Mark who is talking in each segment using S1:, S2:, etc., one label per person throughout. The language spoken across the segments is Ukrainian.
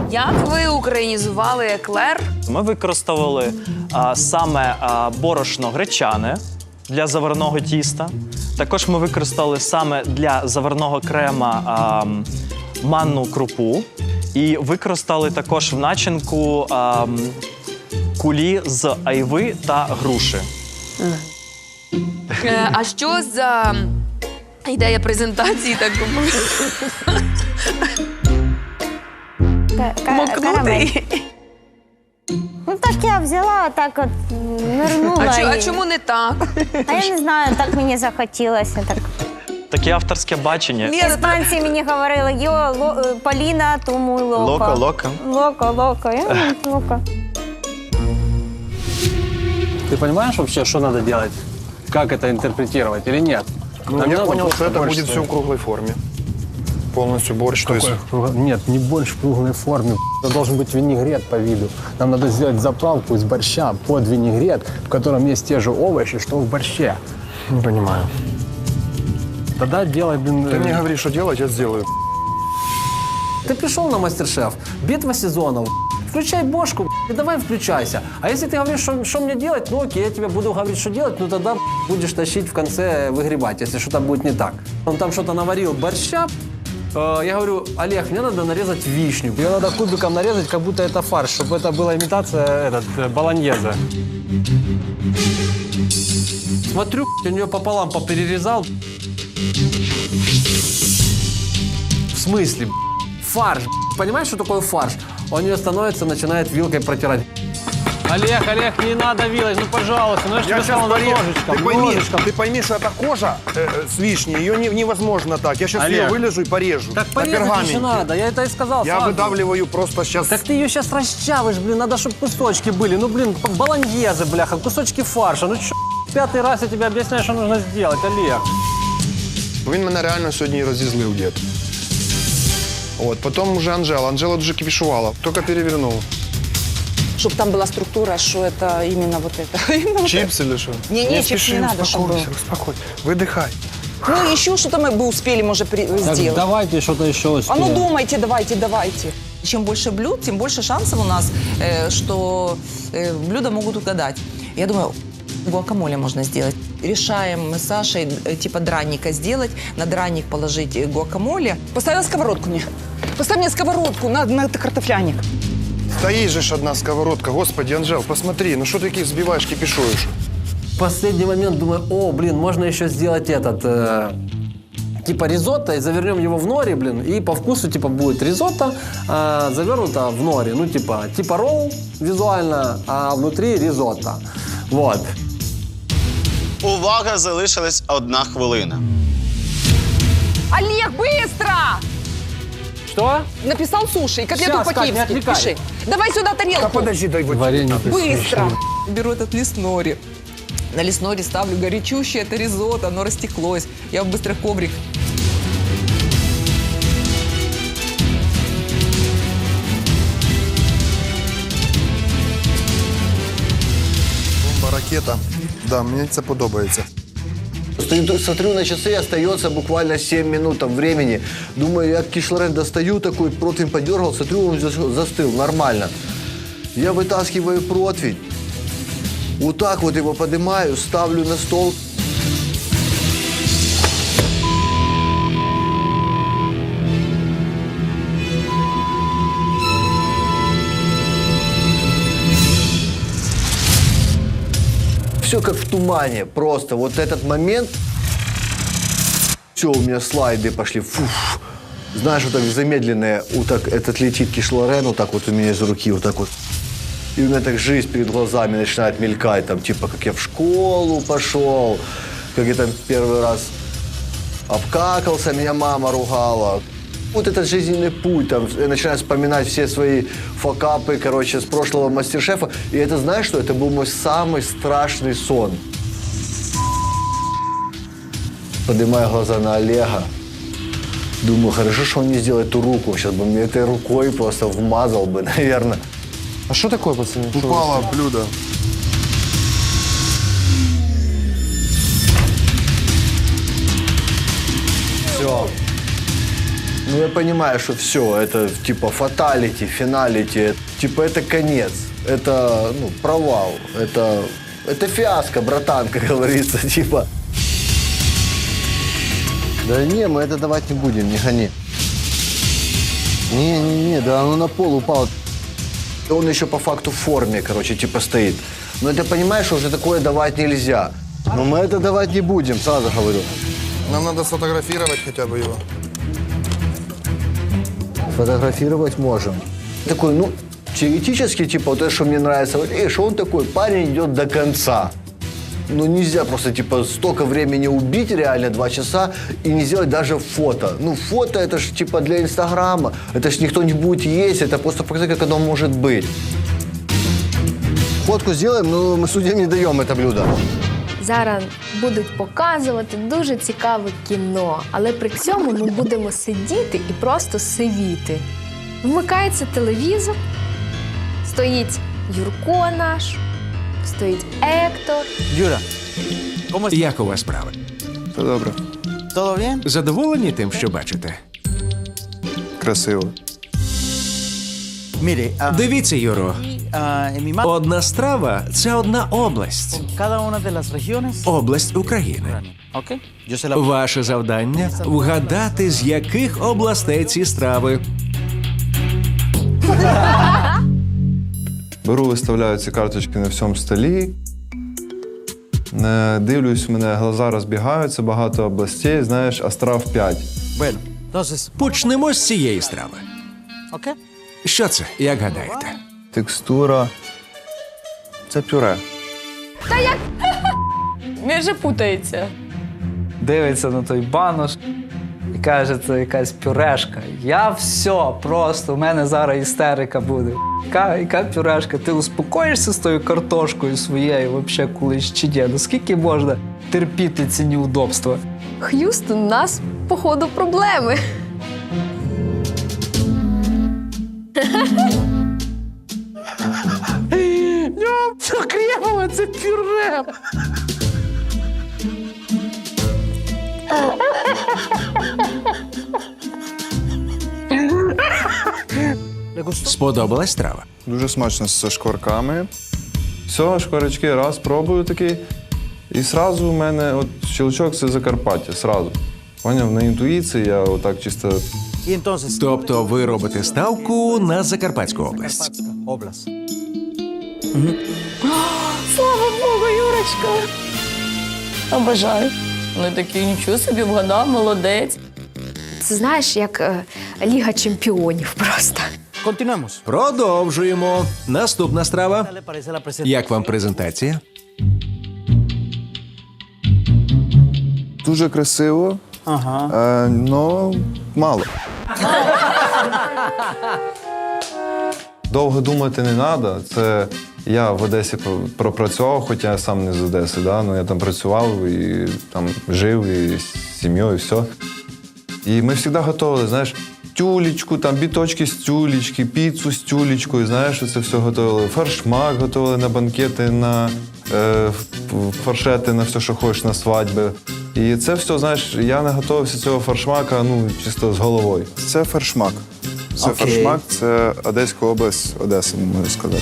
S1: Як ви українізували еклер?
S2: Ми використовували саме борошно гречане для заварного тіста. Також ми використали саме для заварного крема манну крупу. І використали також в начинку кулі з айви та груші.
S1: А що за ідея презентації так мокнути?
S3: Ну так я взяла, так от нирнула.
S1: А чому не так?
S3: А я не знаю, так мені захотілося. Так.
S2: Таке авторське бачення.
S3: Іспанці мені говорили, Поліна, тому локо.
S2: Локо.
S3: Локо. Локо.
S4: Ты понимаешь вообще, что надо делать? Как это интерпретировать или нет?
S5: Ну, я понял, что это будет все в круглой форме. Полностью борщ. То есть...
S4: Нет, не борщ в круглой форме. Это должен быть винегрет по виду. Нам надо сделать заправку из борща под винегрет, в котором есть те же овощи, что в борще.
S5: Не понимаю.
S4: Тогда делай, блин...
S5: Ты мне говоришь, что делать, я сделаю.
S4: Ты пришел на мастер-шеф, битва сезонов, включай бошку и давай включайся. А если ты говоришь, что мне делать, ну окей, я тебе буду говорить, что делать, ну тогда будешь тащить в конце выгребать, если что-то будет не так. Он там что-то наварил борща. Я говорю, Олег, мне надо нарезать вишню. Ее надо кубиком нарезать, как будто это фарш, чтобы это была имитация болоньезе. Смотрю, у нее пополам поперерезал. В смысле? Фарш. Понимаешь, что такое фарш? Он ее становится, начинает вилкой протирать. Олег, не надо вилать, ну пожалуйста, ну я же тебе сказал ножичком.
S5: Ты пойми, что это кожа с вишней, ее невозможно так. Я сейчас
S4: Олег,
S5: ее вылежу и порежу.
S4: Так
S5: на
S4: порезать
S5: пергаменте.
S4: еще надо, я это и сказал.
S5: Я
S4: сразу.
S5: выдавливаю просто сейчас.
S4: Так ты ее сейчас расчавишь, блин, надо, чтобы кусочки были. Ну, блин, болоньезе, бляха, кусочки фарша. Ну, чё, пятый раз я тебе объясняю, что нужно сделать, Олег.
S5: Він мене реально сьогодні розізлив, дід. От, потім уже Анжела дуже кипішувала, тільки перевернув.
S6: Чтобы там была структура, что это именно вот это.
S5: Чипс или что?
S6: Не, чипс не надо, чтобы...
S5: Успокойся, выдыхай.
S6: Ну, еще что-то мы бы успели, может,
S4: Так,
S6: сделать.
S4: давайте что-то еще
S6: А
S4: успеем.
S6: ну, думайте, давайте. Чем больше блюд, тем больше шансов у нас, что блюда могут угадать. Я думаю, гуакамоле можно сделать. Решаем мы с Сашей типа драника сделать, на драник положить гуакамоле. Поставила сковородку мне. Поставь мне сковородку на картофляник.
S5: Стоит же ж одна сковородка. Господи, Анжел, посмотри, ну что ты таких взбиваешь, кипишуешь?
S4: В последний момент думаю, о, блин, можно еще сделать этот, типа ризотто, и завернем его в нори, блин, и по вкусу, типа, будет ризотто, завернуто в нори, ну, типа ролл визуально, а внутри ризотто. Вот.
S7: Увага, залишилась 1 хвилина.
S6: Олег, быстро!
S4: Что?
S6: Написал суши и котлету
S4: Сейчас, Кать, не
S6: по-киевски.
S4: отвлекай.
S6: Пиши. Давай сюда тарелку.
S5: Да подожди, дай вот.
S4: Варенье.
S6: Быстро! Беру этот лист нори. На лист нори ставлю горячущее это ризотто, оно растеклось. Я быстро в коврик.
S5: Бомба, ракета. Да, мені це подобається.
S8: Смотрю на часы, остается буквально 7 минут там времени. Думаю, я кишлорен достаю, такой противень подергал, смотрю, он застыл, нормально. Я вытаскиваю противень, вот так вот его поднимаю, ставлю на стол. Все как в тумане, просто вот этот момент. Все, у меня слайды пошли. Фуф. Знаешь, вот так замедленное, вот так этот летит кишлорен, вот так вот у меня из руки, вот так вот. И у меня так жизнь перед глазами начинает мелькать, там, типа, как я в школу пошел, как я там первый раз обкакался, меня мама ругала. Вот этот жизненный путь, там, я начинаю вспоминать все свои факапы, короче, с прошлого мастер-шефа. И это, знаешь что, это был мой самый страшный сон. Поднимаю глаза на Олега. Думаю, хорошо, что он не сделал эту руку. Сейчас бы мне этой рукой просто вмазал бы, наверное.
S4: А что такое, пацаны?
S5: Упало блюдо.
S4: Все.
S8: Ну, я понимаю, что все, это типа фаталити, финалити, типа это конец, это, ну, провал, это фиаско, братан, как говорится, типа. Да не, мы это давать не будем, не гони. Не, да оно на пол упало. Он еще по факту в форме, короче, типа стоит. Но ты понимаешь, что уже такое давать нельзя. Но мы это давать не будем, сразу говорю.
S5: Нам надо сфотографировать хотя бы его.
S8: Фотографировать можем. Такой, ну, теоретически, типа, вот это, что мне нравится, вот, что он такой, парень идет до конца. Ну, нельзя просто, типа, столько времени убить, реально, 2 часа, и не сделать даже фото. Ну, фото, это ж, типа, для Инстаграма, это ж никто не будет есть, это просто показать, как оно может быть. Фотку сделаем, но мы судьям не даем это блюдо.
S9: Зараз будуть показувати дуже цікаве кіно, але при цьому ми будемо сидіти і просто сивіти. Вмикається телевізор, стоїть Юрко наш, стоїть Ектор.
S10: Юра, як у вас справи?
S5: Все добре.
S10: Задоволені тим, що бачите?
S5: Красиво.
S10: Дивіться, Юро, одна страва – це одна область. Область України. Ваше завдання – вгадати, з яких областей ці страви.
S11: Беру, виставляю ці карточки на всьому столі. Дивлюсь, у мене глаза розбігаються, багато областей, знаєш, а страв 5.
S10: Почнемо з цієї страви. Що це, як гадаєте?
S11: Текстура. Це пюре.
S1: Він же путається.
S12: Дивиться на той банош і каже, це якась пюрешка. Я все, просто, у мене зараз істерика буде. Яка пюрешка? Ти успокоїшся з тою картошкою своєю, взагалі, колись чи ні? Наскільки можна терпіти ці неудобства?
S9: Х'юстон, у нас, походу, проблеми.
S12: Це кремове, це пюре!
S10: Сподобалась страва?
S11: Дуже смачно з шкварками. Все, шкварочки, раз, пробую такий. І сразу у мене от щелчок – це Закарпаття, сразу. Поняв, на інтуїції я отак чисто...
S10: Тобто ви робите ставку на Закарпатську область.
S1: Слава Богу, Юрочка! Обожаю. Ну такий, нічого собі вгадав, молодець.
S9: Це, знаєш, як Ліга чемпіонів просто.
S10: Продовжуємо. Наступна страва. Як вам презентація?
S11: Дуже красиво, но мало. Довго думати не треба. Це я в Одесі пропрацював, хоча я сам не з Одеси, да? Ну, я там працював і там жив, і з сім'єю, і все. І ми завжди готували, знаєш, тюлечку, там біточки з тюлечки, піцу з тюлечкою, знаєш, це все готували. Фаршмак готували на банкети, на фаршети, на все, що хочеш, на свадьби. І це все, знаєш, я не готувався цього фаршмака, ну, чисто з головою.
S5: Це фаршмак. Це фаршмак, це Одеська область, Одеса, можна сказати.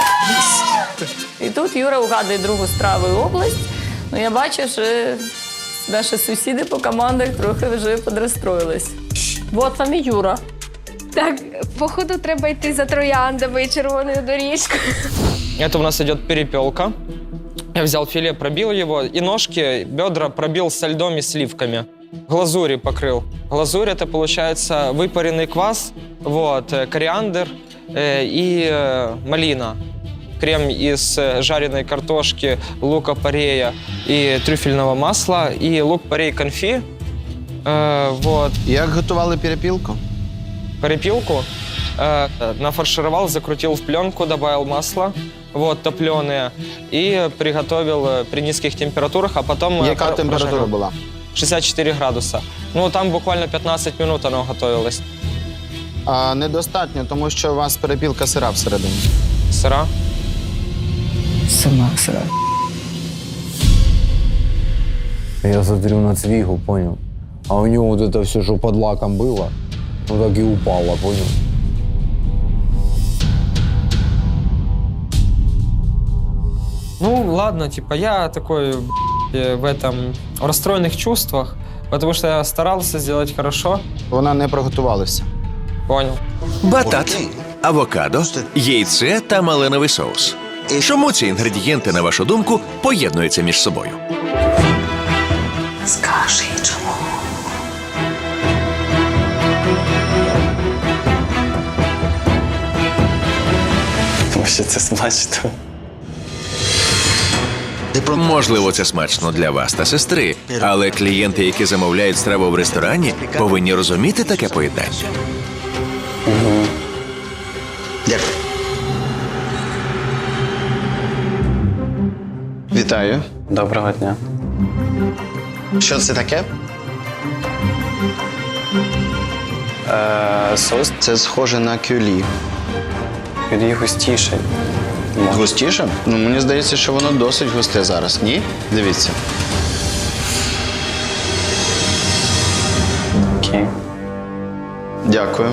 S1: І тут Юра угадує другу страву і область. Ну, я бачу, що наші сусіди по командах трохи вже подрозстроїлись. Вот вам і Юра.
S9: Так, походу, треба йти за трояндами і червоною доріжкою.
S2: Это у нас идет перепелка. Я взял филе, пробил его, и ножки, бедра пробил со льдом и сливками. Глазури покрыл. Глазурь — это, получается, выпаренный квас, вот, кориандр и малина. Крем из жареной картошки, лука-порея и трюфельного масла, и лук-порей конфи. Вот.
S7: Як готували перепілку?
S2: Перепилку нафаршировал, закрутил в пленку, добавил масло, вот, топленое, и приготовил при низких температурах, а потом...
S7: Яка температура була?
S2: 64 градуса. Ну, там буквально 15 минут оно готовилось.
S7: Недостатньо, тому що у вас перепілка сира всередині.
S2: Сыра.
S12: Сама сира.
S8: Я смотрю на Цвигу, понял? А у него вот это все, что под лаком было,
S4: Так и упала, понял?
S2: Ну, ладно, типа, я такой в этом, в расстроенных чувствах, потому что я старался сделать хорошо.
S7: Вона не приготувалася.
S2: Понял.
S10: Батат, авокадо, яйце та малиновий соус. Чому ці інгредієнти, на вашу думку, поєднуються між собою?
S6: Скажи, чому?
S13: Тому що це смачно.
S10: Можливо, це смачно для вас та сестри, але клієнти, які замовляють страву в ресторані, повинні розуміти таке поєднання.
S7: Дякую. Вітаю.
S13: Доброго дня.
S7: Що це таке?
S13: Соус
S7: Це схоже на кюлі.
S13: кюлі густіший.
S7: Густіше? Ну, мені здається, що воно досить густе зараз. Ні? Дивіться.
S13: Окей.
S7: Дякую.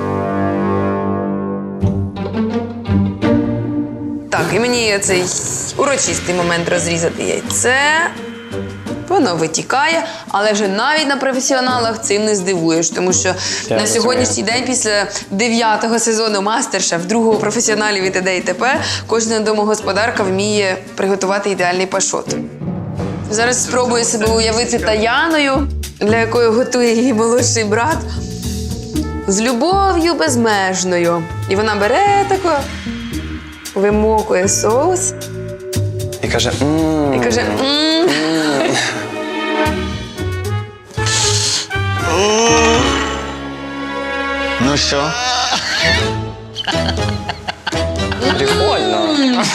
S14: Так, і мені цей урочистий момент розрізати яйце. Воно витікає, але вже навіть на професіоналах цим не здивуєш, тому що на сьогоднішній день, після 9-го сезону «Мастер-шеф», другого професіоналів і т.д. і т.п., кожна домогосподарка вміє приготувати ідеальний пашот. Зараз спробую себе уявити Таяною, для якої готує її молодший брат, з любов'ю безмежною. І вона бере тако, вимокує соус
S13: І каже,
S14: і каже «Мм».
S7: Ну що?
S13: прикольно.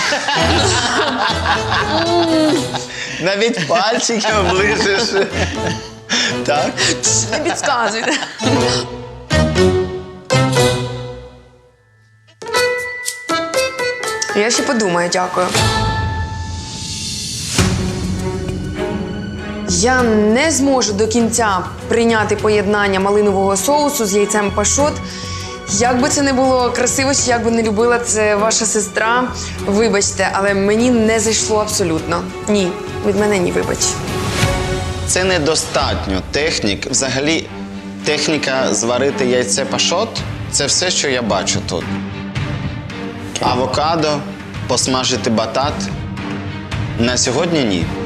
S7: Навіть пальчики оближеш. Так?
S14: Не підказуйте. Я ще подумаю, дякую. Я не зможу до кінця прийняти поєднання малинового соусу з яйцем пашот. Як би це не було красиво, чи як би не любила це ваша сестра, вибачте, але мені не зайшло абсолютно. Ні, від мене ні, вибач.
S7: Це недостатньо технік. Взагалі, техніка зварити яйце пашот – це все, що я бачу тут. Авокадо, посмажити батат – на сьогодні ні.